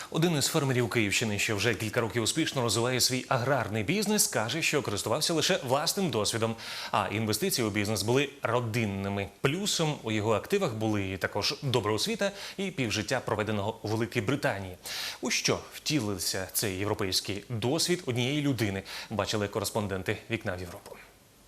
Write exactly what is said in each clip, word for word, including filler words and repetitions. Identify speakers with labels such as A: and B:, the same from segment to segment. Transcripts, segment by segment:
A: Один із фермерів Київщини, що вже кілька років успішно розвиває свій аграрний бізнес, каже, що користувався лише власним досвідом, а інвестиції у бізнес були родинними. Плюсом у його активах були також добра освіта і півжиття, проведеного у Великій Британії. У що втілився цей європейський досвід однієї людини, бачили кореспонденти «Вікна в Європу».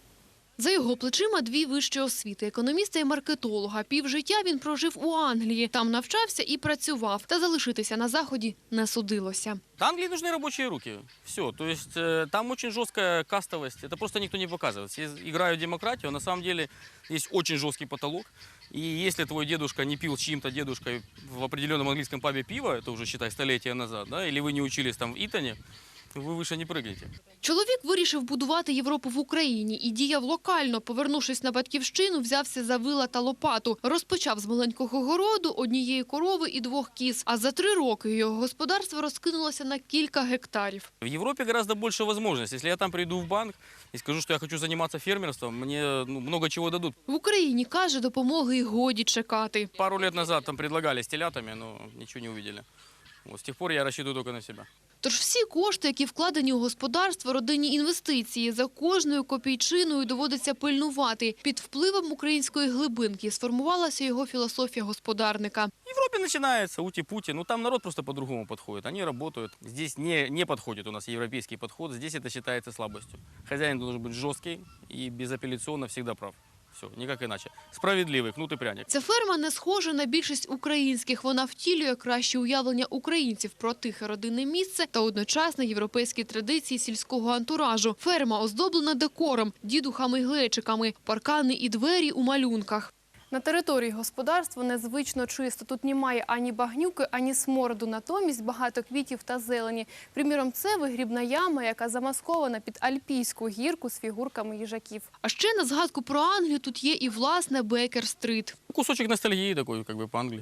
B: За його плечима дві вищі освіти – економіста і маркетолога. Півжиття він прожив у Англії. Там навчався і працював. Та залишитися на Заході не судилося.
C: Англии нужны рабочие руки. Все. То есть э, там очень жесткая кастовость. Это просто никто не показывает. Все играют в демократию. На самом деле есть очень жесткий потолок. И если твой дедушка не пил с чьим-то дедушкой в определенном английском пабе пиво, это уже, считай, столетия назад, да, или вы не учились там в Итоне, ви вище не прыгаєте.
B: Чоловік вирішив будувати Європу в Україні і діяв локально. Повернувшись на батьківщину, взявся за вила та лопату. Розпочав з маленького городу, однієї корови і двох кіз. А за три роки його господарство розкинулося на кілька гектарів.
C: В Європі гораздо більше можливостей. Якщо я там прийду в банк і скажу, що я хочу займатися фермерством, мені ну, багато чого дадуть.
B: В Україні, каже, допомоги й годі чекати.
C: Пару років назад там предлагали з телятами, але нічого не побачили. З тих пор я розраховую тільки на себе.
B: Тож всі кошти, які вкладені у господарство, родинні інвестиції, за кожною копійчиною доводиться пильнувати. Під впливом української глибинки сформувалася його філософія господарника.
C: В Европе начинается ути-пути, ну там народ просто по-другому подходит, они работают. Здесь не, не подходит у нас европейский подход, здесь это считается слабостью. Хозяин должен быть жесткий и безапелляционно всегда прав. Все, ніяк іначе. Справедливий, кнут і пряник.
B: Ця ферма не схожа на більшість українських. Вона втілює краще уявлення українців про тихе родинне місце та одночасно європейські традиції сільського антуражу. Ферма оздоблена декором, дідухами й глечиками, паркани і двері у малюнках. На території господарства незвично чисто. Тут немає ані багнюки, ані смороду. Натомість багато квітів та зелені. Приміром, це вигрібна яма, яка замаскована під альпійську гірку з фігурками їжаків. А ще на згадку про Англію тут є і, власне, Бейкер-стрит.
C: Кусочек ностальгии такой, как бы по-англии.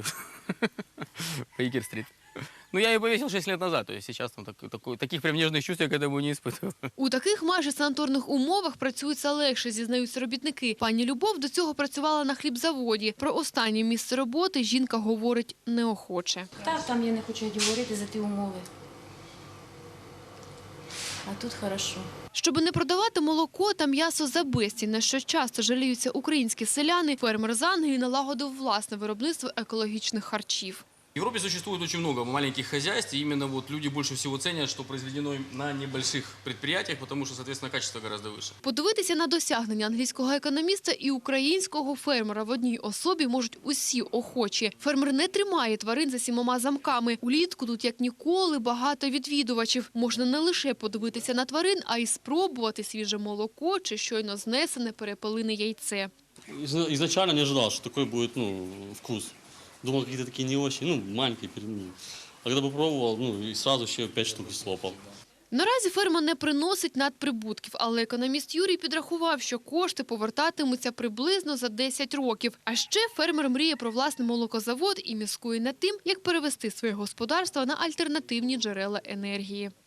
C: Бейкер-стрит. Ну, я ее повесил шесть лет назад, то есть сейчас там так, так, таких прям нежных чувств я к этому не испытываю.
B: У таких майже санаторних умовах працюється легше, зізнаються робітники. Пані Любов до цього працювала на хлібзаводі. Про останнє місце роботи жінка говорить неохоче.
D: Так, там я не хочу говорити за ті умови. А тут хорошо.
B: Щоб не продавати молоко та м'ясо за безцінь, на що часто жаліються українські селяни, фермер з Англії налагодив власне виробництво екологічних харчів.
C: В Европе существует очень много маленьких хозяйств, и именно вот люди больше всего ценят, что произведено на небольших предприятиях, потому что, соответственно, качество гораздо выше.
B: Подивитися на досягнення англійського економіста і українського фермера в одній особі можуть усі охочі. Фермер не тримає тварин за сімома замками. Улітку тут, як ніколи, багато відвідувачів. Можна не лише подивитися на тварин, а й спробувати свіже молоко чи щойно знесене перепелине яйце.
E: Изначально не ожидал, что такой будет ну, вкус. Думал, какие-то такие не очень, ну, маленькие пельмени. А когда попробовал, ну, и сразу еще пять штук слопал.
B: Наразі ферма не приносить надприбутків, але економіст Юрій підрахував, що кошти повертатимуться приблизно за десять років. А ще фермер мріє про власний молокозавод і міскує над тим, як перевести своє господарство на альтернативні джерела енергії.